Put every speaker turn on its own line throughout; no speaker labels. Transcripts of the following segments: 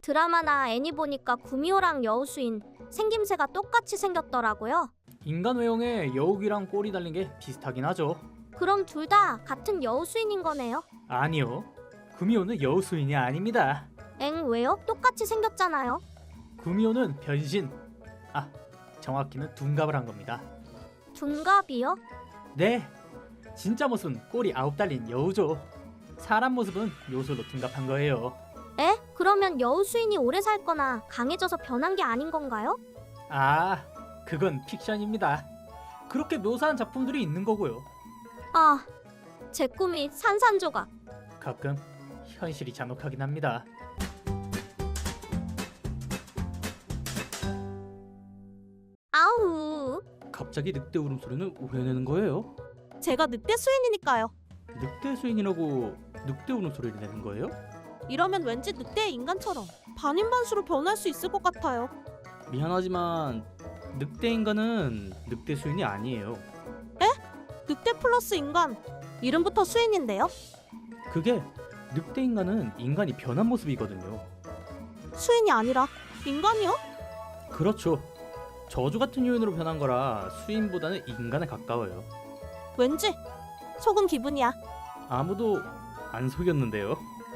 드라마나 애니 보니까 구미호랑 여우수인 생김새가 똑같이 생겼더라고요.
인간 외형에 여우귀랑 꼬리 달린 게 비슷하긴 하죠.
그럼 둘 다 같은 여우수인인 거네요?
아니요. 구미호는 여우수인이 아닙니다.
엥, 왜요? 똑같이 생겼잖아요.
구미호는 변신. 정확히는 둔갑을 한 겁니다.
둔갑이요?
네. 진짜 모습은 꼬리 9 달린 여우죠. 사람 모습은 요술로 둔갑한 거예요.
에? 그러면 여우수인이 오래 살거나 강해져서 변한 게 아닌 건가요?
그건 픽션입니다. 그렇게 묘사한 작품들이 있는 거고요.
아, 제 꿈이 산산조각.
가끔 현실이 잔혹하긴 합니다.
아우.
갑자기 늑대 울음소리는 왜 내는 거예요?
제가 늑대 수인이니까요.
늑대 수인이라고 늑대 울음소리를 내는 거예요?
이러면 왠지 늑대의 인간처럼 반인반수로 변할 수 있을 것 같아요.
미안하지만 늑대 인간은 늑대 수인이 아니에요.
늑대 플러스 인간, 이름부터 수인인데요.
그게 늑대 인간은 인간이 변한 모습이거든요.
수인이 아니라 인간이요?
그렇죠. 저주 같은 요인으로 변한 거라 수인보다는 인간에 가까워요.
왠지 속은 기분이야.
아무도 안 속였는데요.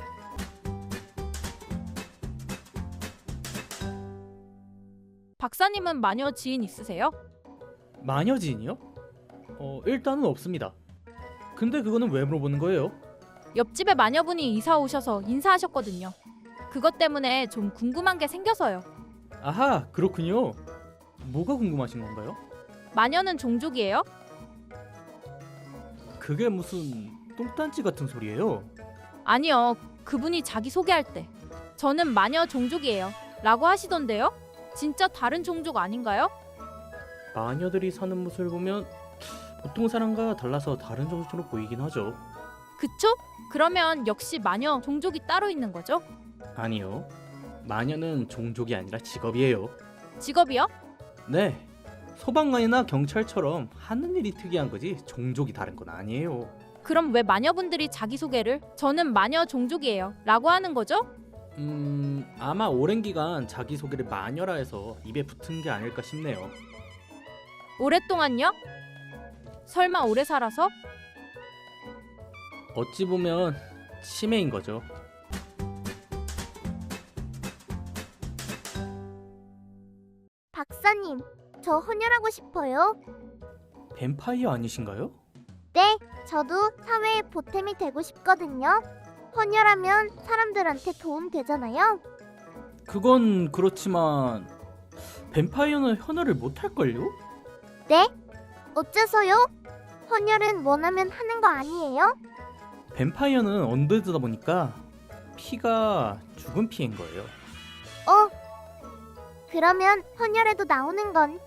박사님은 마녀 지인 있으세요?
마녀 지인이요? 일단은 없습니다. 근데 그거는 왜 물어보는 거예요?
옆집에 마녀분이 이사 오셔서 인사하셨거든요. 그것 때문에 좀 궁금한 게 생겨서요.
아하, 그렇군요. 뭐가 궁금하신 건가요?
마녀는 종족이에요?
그게 무슨 똥단지 같은 소리예요?
아니요. 그분이 자기 소개할 때 저는 마녀 종족이에요 라고 하시던데요? 진짜 다른 종족 아닌가요?
마녀들이 사는 모습을 보면 보통 사람과 달라서 다른 종족으로 보이긴 하죠.
그쵸? 그러면 역시 마녀 종족이 따로 있는 거죠?
아니요. 마녀는 종족이 아니라 직업이에요.
직업이요?
네. 소방관이나 경찰처럼 하는 일이 특이한 거지 종족이 다른 건 아니에요.
그럼 왜 마녀분들이 자기소개를 저는 마녀 종족이에요 라고 하는 거죠?
아마 오랜 기간 자기소개를 마녀라 해서 입에 붙은 게 아닐까 싶네요.
오랫동안요? 설마 오래 살아서?
어찌 보면 치매인 거죠.
박사님, 저 헌혈하고 싶어요.
뱀파이어 아니신가요?
네, 저도 사회에 보탬이 되고 싶거든요. 헌혈하면 사람들한테 도움 되잖아요.
그건 그렇지만 뱀파이어는 현혈을 못 할걸요?
네? 어째서요? 헌혈은 원하면 하는 거 아니에요?
뱀파이어는 언데드다 보니까 피가 죽은 피인 거예요.
그러면 헌혈에도 나오는 건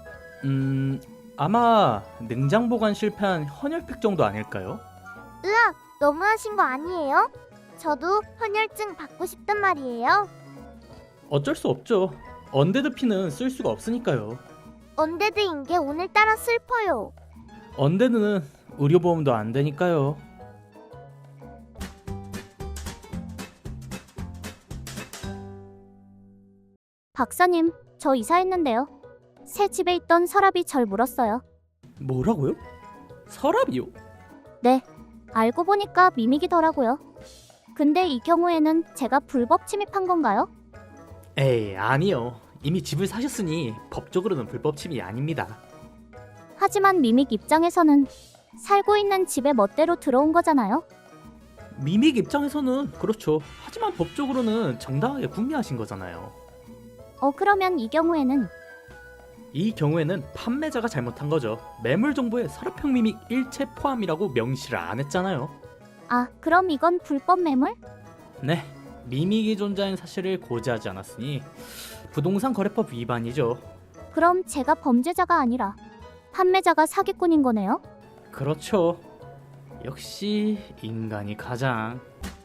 아마 냉장 보관 실패한 헌혈팩 정도 아닐까요?
으악, 너무하신 거 아니에요? 저도 헌혈증 받고 싶단 말이에요.
어쩔 수 없죠. 언데드 피는 쓸 수가 없으니까요.
언데드인 게 오늘따라 슬퍼요.
언데드는 의료보험도 안 되니까요.
박사님, 저 이사했는데요. 새 집에 있던 서랍이 절 물었어요.
뭐라고요? 서랍이요?
네, 알고 보니까 미믹이더라고요. 근데 이 경우에는 제가 불법 침입한 건가요?
에이, 아니요. 이미 집을 사셨으니 법적으로는 불법 침입이 아닙니다.
하지만 미믹 입장에서는 살고 있는 집에 멋대로 들어온 거잖아요.
미믹 입장에서는 그렇죠. 하지만 법적으로는 정당하게 구매하신 거잖아요.
그러면 이 경우에는
이 경우에는 판매자가 잘못한 거죠. 매물 정보에 서랍형 미믹 일체 포함이라고 명시를 안 했잖아요.
그럼 이건 불법 매물?
네, 미믹이 존재하는 사실을 고지하지 않았으니 부동산 거래법 위반이죠.
그럼 제가 범죄자가 아니라 판매자가 사기꾼인 거네요?
그렇죠. 역시 인간이 가장.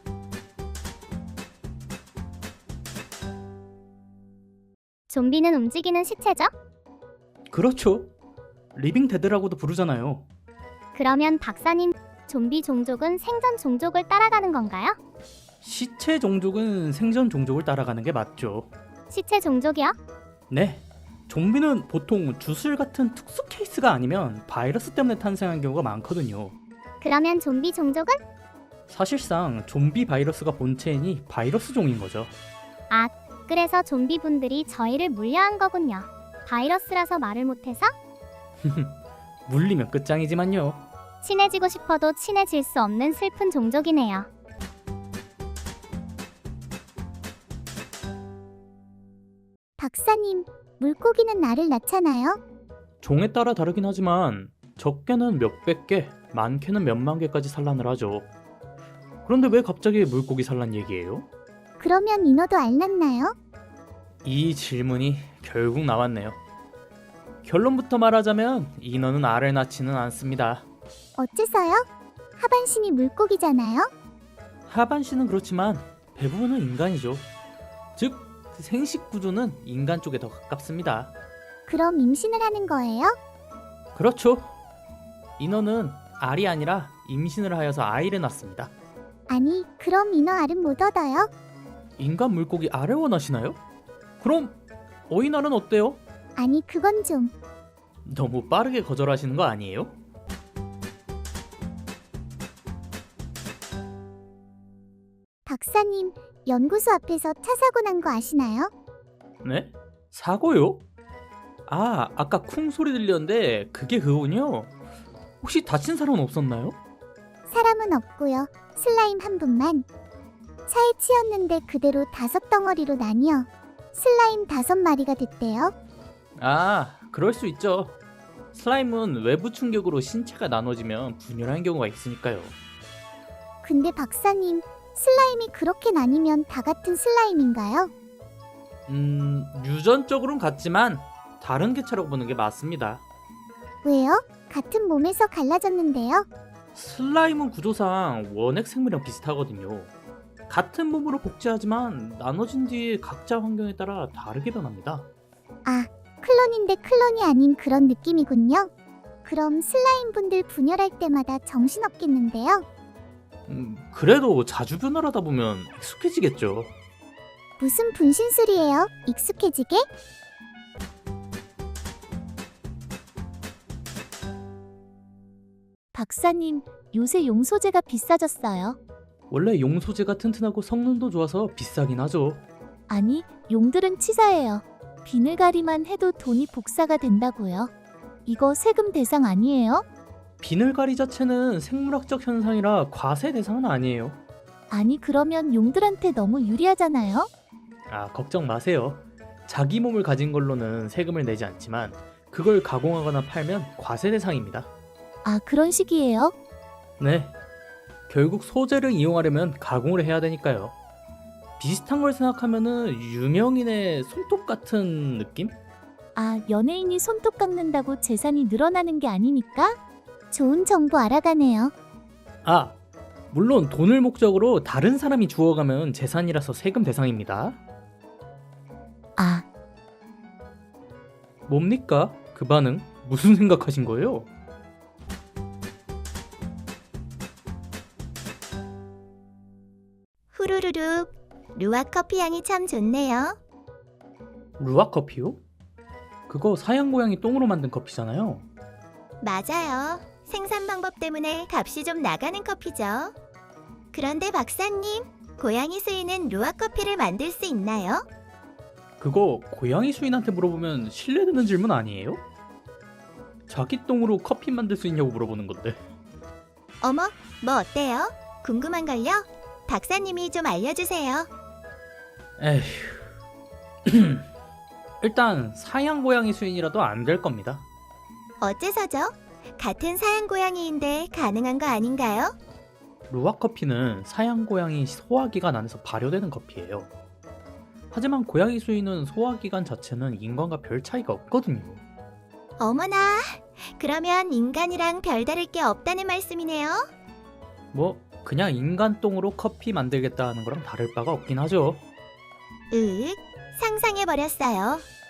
좀비는 움직이는 시체죠?
그렇죠. 리빙 데드라고도 부르잖아요.
그러면 박사님, 좀비 종족은 생존 종족을 따라가는 건가요?
시체 종족은 생전 종족을 따라가는 게 맞죠.
시체 종족이야?
네. 좀비는 보통 주술 같은 특수 케이스가 아니면 바이러스 때문에 탄생한 경우가 많거든요.
그러면 좀비 종족은?
사실상 좀비 바이러스가 본체이니 바이러스 종인 거죠.
그래서 좀비분들이 저희를 물려한 거군요. 바이러스라서 말을 못해서?
물리면 끝장이지만요.
친해지고 싶어도 친해질 수 없는 슬픈 종족이네요. 박사님, 물고기는 알을 낳잖아요?
종에 따라 다르긴 하지만 적게는 몇백 개, 많게는 몇만 개까지 산란을 하죠. 그런데 왜 갑자기 물고기 산란 얘기예요?
그러면 인어도 알 낳나요?
이 질문이 결국 나왔네요. 결론부터 말하자면 인어는 알을 낳지는 않습니다.
어째서요? 하반신이 물고기잖아요?
하반신은 그렇지만 대부분은 인간이죠. 즉 생식 구조는 인간 쪽에 더 가깝습니다.
그럼 임신을 하는 거예요?
그렇죠. 인어는 알이 아니라 임신을 하여서 아이를 낳습니다.
아니, 그럼 인어 알은 못 얻어요?
인간 물고기 알을 원하시나요? 그럼 어인알은 어때요?
아니, 그건 좀...
너무 빠르게 거절하시는 거 아니에요?
박사님, 연구소 앞에서 차 사고 난 거 아시나요?
네? 사고요? 아, 아까 쿵 소리 들렸는데 그게 그거군요. 혹시 다친 사람은 없었나요?
사람은 없고요. 슬라임 한 분만. 차에 치였는데 그대로 5덩어리로 나뉘어 슬라임 5마리가 됐대요.
아, 그럴 수 있죠. 슬라임은 외부 충격으로 신체가 나눠지면 분열하는 경우가 있으니까요.
근데 박사님, 슬라임이 그렇게 나뉘면 다 같은 슬라임인가요?
유전적으로는 같지만 다른 개체라고 보는 게 맞습니다.
왜요? 같은 몸에서 갈라졌는데요.
슬라임은 구조상 원핵 생물이랑 비슷하거든요. 같은 몸으로 복제하지만 나눠진 뒤에 각자 환경에 따라 다르게 변합니다.
아, 클론인데 클론이 아닌 그런 느낌이군요. 그럼 슬라임 분들 분열할 때마다 정신없겠는데요?
그래도 자주 변화하다 보면 익숙해지겠죠.
무슨 분신술이에요? 익숙해지게? 박사님, 요새 용소재가 비싸졌어요.
원래 용소재가 튼튼하고 성능도 좋아서 비싸긴 하죠.
아니, 용들은 치사해요. 비늘가리만 해도 돈이 복사가 된다고요. 이거 세금 대상 아니에요?
비늘가리 자체는 생물학적 현상이라 과세 대상은 아니에요.
아니, 그러면 용들한테 너무 유리하잖아요?
아, 걱정 마세요. 자기 몸을 가진 걸로는 세금을 내지 않지만 그걸 가공하거나 팔면 과세 대상입니다.
아, 그런 식이에요?
네. 결국 소재를 이용하려면 가공을 해야 되니까요. 비슷한 걸 생각하면은 유명인의 손톱 같은 느낌?
아, 연예인이 손톱 깎는다고 재산이 늘어나는 게 아니니까? 좋은 정보 알아가네요.
아, 물론 돈을 목적으로 다른 사람이 주워가면 재산이라서 세금 대상입니다.
아,
뭡니까? 그 반응? 무슨 생각하신 거예요?
후루루룩, 루아 커피 향이 참 좋네요.
루아 커피요? 그거 사양 고양이 똥으로 만든 커피잖아요.
맞아요. 생산 방법 때문에 값이 좀 나가는 커피죠. 그런데 박사님, 고양이 수인은 루아 커피를 만들 수 있나요?
그거 고양이 수인한테 물어보면 신뢰되는 질문 아니에요? 자기 똥으로 커피 만들 수 있냐고 물어보는 건데.
어머, 뭐 어때요? 궁금한걸요? 박사님이 좀 알려주세요.
에휴. 일단 사양 고양이 수인이라도 안 될 겁니다.
어째서죠? 같은 사양 고양이인데 가능한 거 아닌가요?
루아 커피는 사양 고양이 소화기관 안에서 발효되는 커피예요. 하지만 고양이 수인은 소화기관 자체는 인간과 별 차이가 없거든요.
어머나, 그러면 인간이랑 별다를 게 없다는 말씀이네요?
뭐 그냥 인간 똥으로 커피 만들겠다 하는 거랑 다를 바가 없긴 하죠.
상상해버렸어요.